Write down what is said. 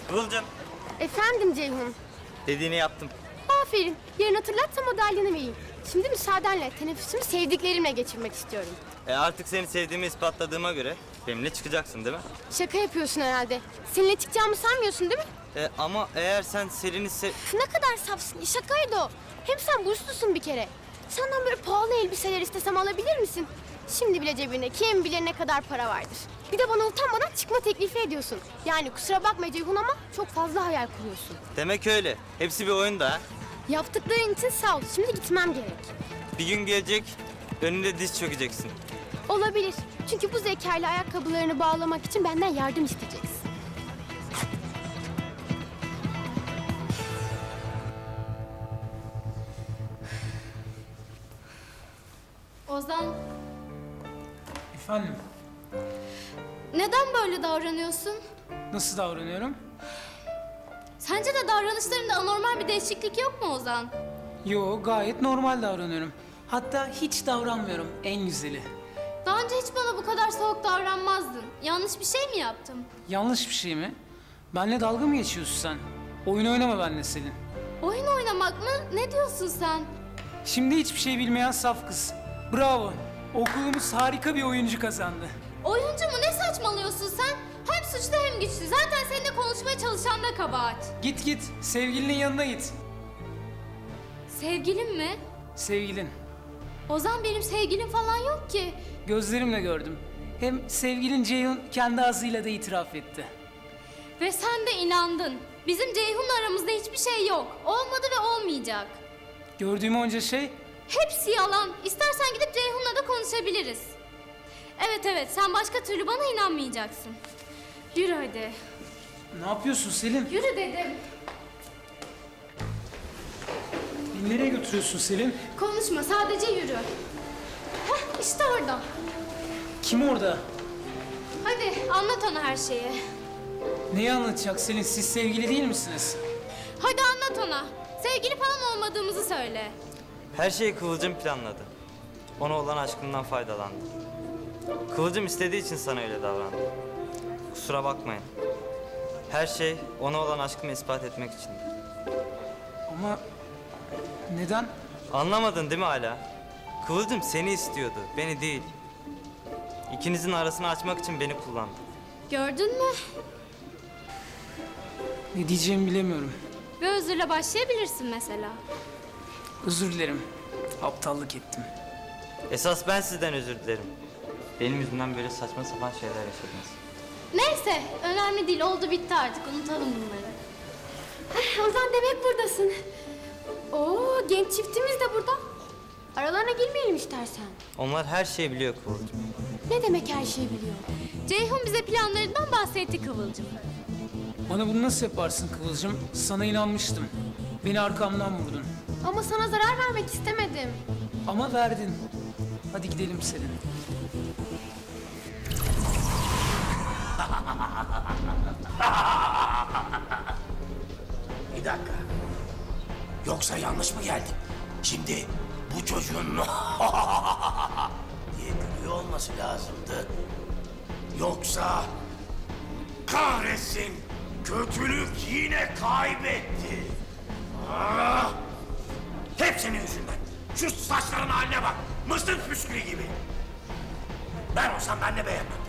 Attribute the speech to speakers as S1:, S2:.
S1: Kıvılcım.
S2: Efendim Ceyhun.
S1: Dediğini yaptım.
S2: Aferin. Yarın hatırlatsam madalyonu vereyim. Şimdi müsaadenle teneffüsümü sevdiklerimle geçirmek istiyorum.
S1: Artık seni sevdiğimi ispatladığıma göre benimle çıkacaksın değil mi?
S2: Şaka yapıyorsun herhalde. Seninle çıkacağımı sanmıyorsun değil mi?
S1: Ama eğer sen Selin'i
S2: Ne kadar safsın. Şakaydı o. Hem sen burslusun bir kere. Senden böyle pahalı elbiseler istesem alabilir misin? Şimdi bile cebinde kim bilir ne kadar para vardır. Bir de bana utanmadan çıkma teklifi ediyorsun. Yani kusura bakma Ceyhun ama çok fazla hayal kuruyorsun.
S1: Demek öyle. Hepsi bir oyun da ha.
S2: Yaptıkların için sağ ol. Şimdi gitmem gerek.
S1: Bir gün gelecek, önünde diz çökeceksin.
S2: Olabilir. Çünkü bu zekayla ayakkabılarını bağlamak için benden yardım isteyeceksin.
S3: Ozan,
S4: Efendim,
S3: neden böyle davranıyorsun?
S4: nasıl davranıyorum?
S3: Sence de davranışlarında anormal bir değişiklik yok mu Ozan?
S4: Yo, gayet normal davranıyorum. Hatta hiç davranmıyorum, en güzeli.
S3: Daha önce hiç bana bu kadar soğuk davranmazdın. Yanlış bir şey mi yaptım?
S4: Yanlış bir şey mi? Benle dalga mı geçiyorsun sen? Oyun oynama benimle Selin.
S3: Oyun oynamak mı? Ne diyorsun sen?
S4: Şimdi hiçbir şey bilmeyen saf kız. Bravo, okulumuz harika bir oyuncu kazandı.
S3: Oyuncu mu? Ne saçmalıyorsun sen? Hem suçlu hem güçlü. Zaten seninle konuşmaya çalışan da kabahat.
S4: Git git, sevgilinin yanına git.
S3: Sevgilim mi?
S4: Sevgilin.
S3: Ozan benim sevgilim falan yok ki.
S4: Gözlerimle gördüm. Hem sevgilin Ceyhun kendi ağzıyla da itiraf etti.
S3: Ve sen de inandın. Bizim Ceyhun'la aramızda hiçbir şey yok. Olmadı ve olmayacak.
S4: Gördüğüm onca şey,
S3: Hepsi yalan. İstersen gidip Ceyhun'la da konuşabiliriz. Evet, sen başka türlü bana inanmayacaksın. Yürü hadi.
S4: ne yapıyorsun Selin?
S3: Yürü dedim.
S4: Beni nereye götürüyorsun Selin?
S3: Konuşma, sadece yürü. Heh, işte orada.
S4: Kim orada?
S3: Hadi anlat ona her şeyi.
S4: Neyi anlatacak Selin? Siz sevgili değil misiniz?
S3: Hadi anlat ona. Sevgili falan olmadığımızı söyle.
S1: Her şeyi Kıvılcım planladı. Ona olan aşkından faydalandı. Kıvılcım istediği için sana öyle davrandı. Kusura bakmayın. Her şey ona olan aşkımı ispat etmek içindi.
S4: Ama neden?
S1: Anlamadın değil mi hala? Kıvılcım seni istiyordu, beni değil. İkinizin arasını açmak için beni kullandı.
S3: Gördün mü?
S4: Ne diyeceğimi bilemiyorum.
S3: Ve özürle başlayabilirsin mesela.
S4: Özür dilerim. Aptallık ettim.
S1: Esas ben sizden özür dilerim. Benim yüzümden böyle saçma sapan şeyler yaşadınız.
S3: Neyse, önemli değil. Oldu bitti artık. Unutalım bunları.
S2: Ozan demek buradasın. Oo, genç çiftimiz de burada. Aralarına girmeyelim istersen.
S1: Onlar her şeyi biliyor Kıvılcım.
S2: Ne demek her şeyi biliyor?
S3: Ceyhun bize planlarından bahsetti Kıvılcım.
S4: Bana bunu nasıl yaparsın Kıvılcım? Sana inanmıştım. Beni arkamdan vurdun.
S2: Ama sana zarar vermek istemedim.
S4: Ama verdin. Hadi gidelim Selin.
S5: Bir dakika. Yoksa yanlış mı geldim? Şimdi bu çocuğun diye gülüyor olması lazımdı. Yoksa kahretsin, kötülük yine kaybetti. Ah! Hep senin yüzünden. Şu saçların haline bak. Mısır püskülü gibi. Ben olsam ben de beğenmem.